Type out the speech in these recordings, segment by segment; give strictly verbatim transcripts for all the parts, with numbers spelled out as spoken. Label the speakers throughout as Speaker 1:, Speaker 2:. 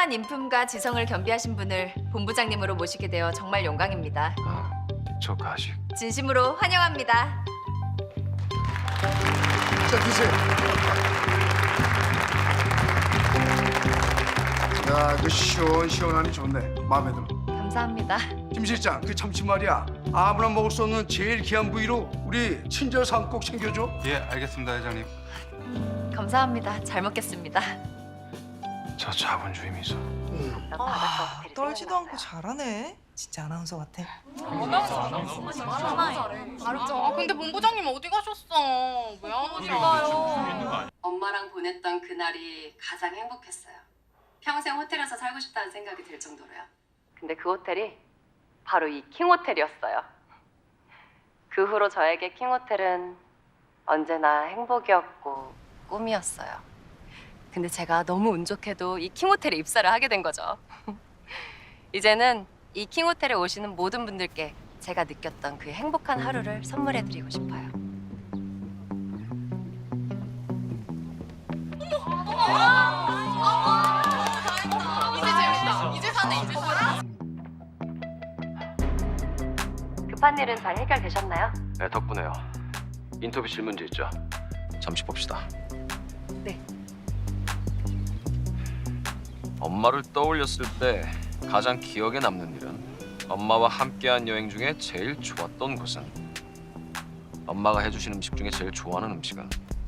Speaker 1: 훌륭한 인품과 지성을 겸비하신 분을 본부장님으로 모시게 되어 정말 영광입니다.
Speaker 2: 아, 저 가식.
Speaker 1: 진심으로 환영합니다.
Speaker 3: 자, 드세요. 야, 이거 시원시원하니 좋네. 마음에 들어.
Speaker 1: 감사합니다.
Speaker 3: 김 실장, 그 참치 말이야. 아무나 먹을 수 없는 제일 귀한 부위로 우리 친절 사항 꼭 챙겨줘.
Speaker 4: 예, 알겠습니다, 회장님.
Speaker 1: 감사합니다. 잘 먹겠습니다.
Speaker 2: 저 자본주의 미소.
Speaker 5: 아, 떨지도 않고 잘하네. 진짜 아나운서 같아.
Speaker 6: 아 근데 본부장님 어디 가셨어? 왜 안 오실까요?
Speaker 7: 엄마랑 보냈던 그날이 가장 행복했어요. 평생 호텔에서 살고 싶다는 생각이 들 정도로요. 근데 그 호텔이 바로 이 킹호텔이었어요. 그 후로 저에게 킹호텔은 언제나 행복이었고 꿈이었어요. 근데 제가 너무 운 좋게도 이 킹호텔에 입사를 하게 된 거죠. 이제는 이 킹호텔에 오시는 모든 분들께 제가 느꼈던 그 행복한 하루를 선물해드리고 싶어요.
Speaker 6: 이제 재밌다. 이제 사네. 이제 사네.
Speaker 7: 급한 일은 잘 해결되셨나요?
Speaker 2: 네, 덕분에요. 인터뷰 질문지 있죠? 잠시 봅시다.
Speaker 7: 네.
Speaker 2: 엄마를 떠올렸을 때 가장 기억에 남는 일은 엄마와 함께한 여행 중에 제일 좋았던 것은 엄마가 해주신 음식 중에 제일 좋아하는 음식은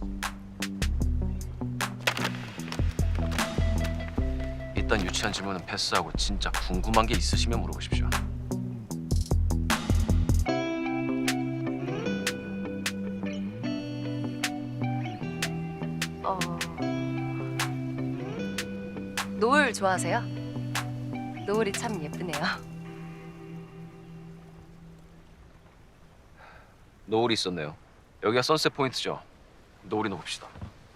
Speaker 2: 이딴 유치한 질문은 패스하고 진짜 궁금한 게 있으시면 물어보십시오.
Speaker 7: 어... 노을 좋아하세요? 노을이 참 예쁘네요.
Speaker 2: 노을이 있었네요. 여기가 선셋 포인트죠. 노을이나 봅시다.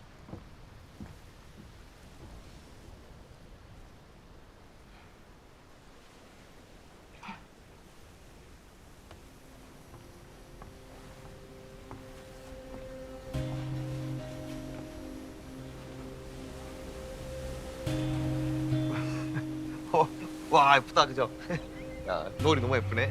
Speaker 2: 어, 와 예쁘다 그죠? 야 노을이 너무 예쁘네.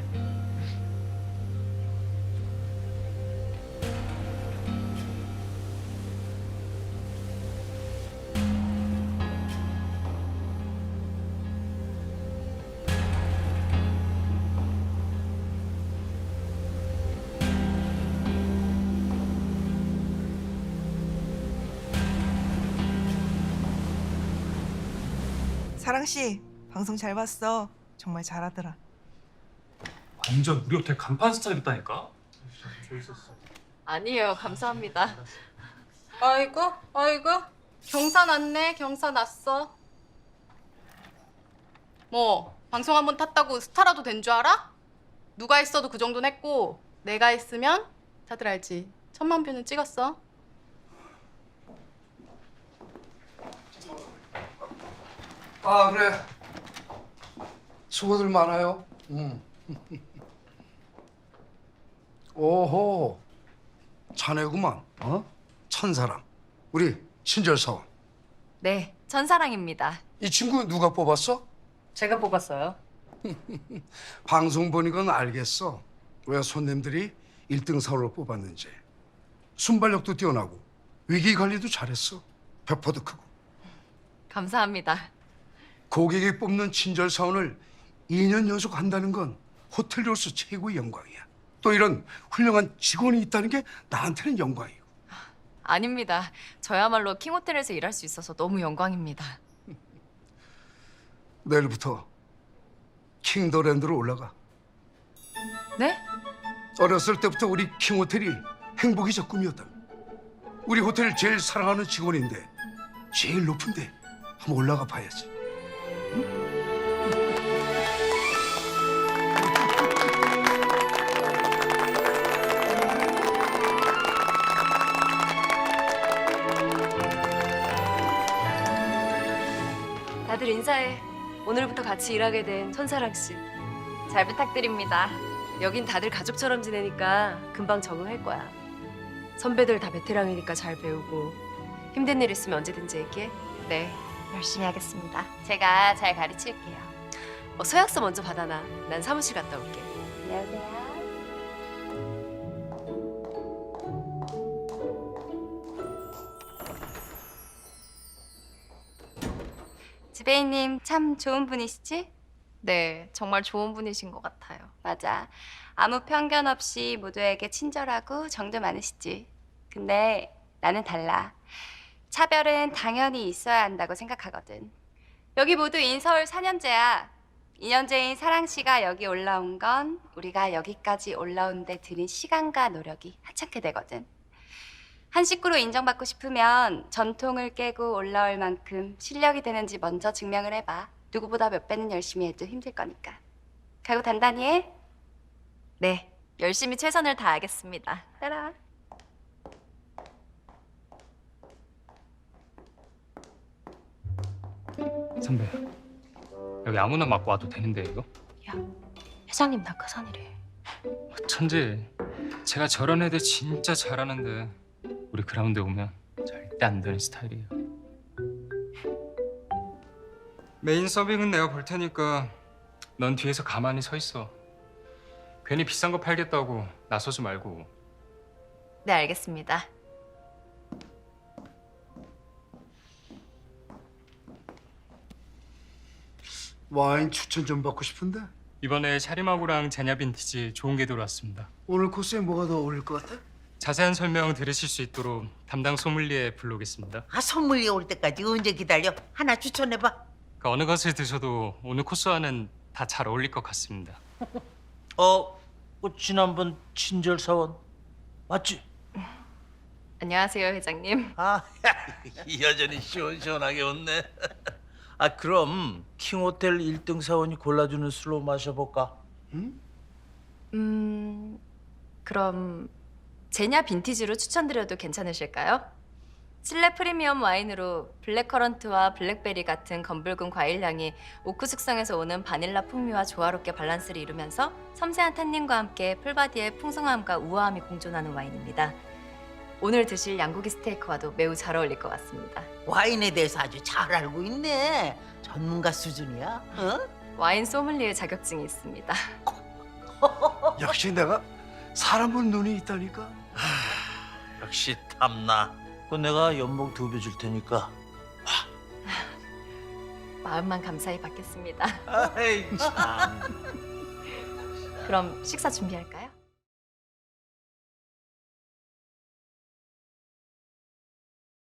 Speaker 5: 사랑 씨, 방송 잘 봤어. 정말 잘하더라.
Speaker 8: 완전 우리 호텔 간판 스타일이었다니까?
Speaker 7: 아니에요. 감사합니다.
Speaker 6: 아이고, 아이고. 경사 났네. 경사 났어. 뭐 방송 한 번 탔다고 스타라도 된 줄 알아? 누가 했어도 그 정도는 했고 내가 했으면 다들 알지. 천만 뷰는 찍었어.
Speaker 3: 아, 그래. 수고들 많아요. 음. 오호. 자네구만. 어? 천사랑. 우리 친절 사원.
Speaker 1: 네, 천사랑입니다.
Speaker 3: 이 친구 누가 뽑았어?
Speaker 7: 제가 뽑았어요.
Speaker 3: 방송 보니까 알겠어. 왜 손님들이 일 등 사원을 뽑았는지. 순발력도 뛰어나고 위기 관리도 잘했어. 배포도 크고.
Speaker 1: 감사합니다.
Speaker 3: 고객이 뽑는 친절 사원을 이 년 연속 한다는 건 호텔로서 최고의 영광이야. 또 이런 훌륭한 직원이 있다는 게 나한테는 영광이고.
Speaker 1: 아닙니다. 저야말로 킹호텔에서 일할 수 있어서 너무 영광입니다.
Speaker 3: 내일부터 킹더랜드로 올라가.
Speaker 1: 네?
Speaker 3: 어렸을 때부터 우리 킹호텔이 행복이 저 꿈이었다. 우리 호텔을 제일 사랑하는 직원인데 제일 높은데 한번 올라가 봐야지.
Speaker 7: 다들 인사해. 오늘부터 같이 일하게 된 천사랑 씨.
Speaker 1: 잘 부탁드립니다.
Speaker 7: 여긴 다들 가족처럼 지내니까 금방 적응할 거야. 선배들 다 베테랑이니까 잘 배우고 힘든 일 있으면 언제든지 얘기해.
Speaker 1: 네, 열심히 하겠습니다. 제가 잘 가르칠게요.
Speaker 7: 어, 서약서 먼저 받아놔. 난 사무실 갔다 올게.
Speaker 1: 안녕하세요. 지배인님 참 좋은 분이시지?
Speaker 6: 네, 정말 좋은 분이신 것 같아요.
Speaker 1: 맞아. 아무 편견 없이 모두에게 친절하고 정도 많으시지. 근데 나는 달라. 차별은 당연히 있어야 한다고 생각하거든. 여기 모두 인서울 사 년제야. 이 년제인 사랑 씨가 여기 올라온 건 우리가 여기까지 올라온 데 들인 시간과 노력이 하찮게 되거든. 한 식구로 인정받고 싶으면 전통을 깨고 올라올 만큼 실력이 되는지 먼저 증명을 해봐. 누구보다 몇 배는 열심히 해도 힘들 거니까. 각오 단단히 해. 네, 열심히 최선을 다하겠습니다. 따라와.
Speaker 8: 선배, 여기 아무나 맡고 와도 되는데 이거?
Speaker 7: 회장님 낙하산이래.
Speaker 8: 천재. 제가 저런 애들 진짜 잘하는데 우리 그라운드에 오면 절대 안 되는 스타일이에요. 메인 서빙은 내가 볼 테니까 넌 뒤에서 가만히 서 있어. 괜히 비싼 거 팔겠다고 나서지 말고.
Speaker 1: 네, 알겠습니다.
Speaker 3: 와인 추천 좀 받고 싶은데
Speaker 8: 이번에 샤리마구랑 제냐 빈티지 좋은 게 들어왔습니다.
Speaker 3: 오늘 코스에 뭐가 더 어울릴 것 같아?
Speaker 8: 자세한 설명 들으실 수 있도록 담당 소믈리에 불러오겠습니다.
Speaker 9: 아, 선물이 올 때까지 언제 기다려? 하나 추천해봐.
Speaker 8: 그 어느 것을 드셔도 오늘 코스와는 다 잘 어울릴 것 같습니다.
Speaker 10: 어, 그 지난번 친절 사원 맞지?
Speaker 1: 안녕하세요, 회장님.
Speaker 10: 아, 여전히 시원시원하게 웃네. 아, 그럼 킹호텔 일 등 사원이 골라주는 술로 마셔볼까?
Speaker 1: 음, 그럼 제냐 빈티지로 추천드려도 괜찮으실까요? 실내 프리미엄 와인으로 블랙커런트와 블랙베리 같은 검붉은 과일향이 오크 숙성에서 오는 바닐라 풍미와 조화롭게 밸런스를 이루면서 섬세한 탄닌과 함께 풀바디의 풍성함과 우아함이 공존하는 와인입니다. 오늘 드실 양고기 스테이크와도 매우 잘 어울릴 것 같습니다.
Speaker 9: 와인에 대해서 아주 잘 알고 있네. 전문가 수준이야. 어?
Speaker 1: 와인 소믈리에 자격증이 있습니다.
Speaker 3: 역시 내가 사람 볼 눈이 있다니까.
Speaker 10: 역시 탐나. 그 내가 연봉 두 배 줄 테니까.
Speaker 1: 마음만 감사히 받겠습니다.
Speaker 10: 아이 참.
Speaker 1: 그럼 식사 준비할까요?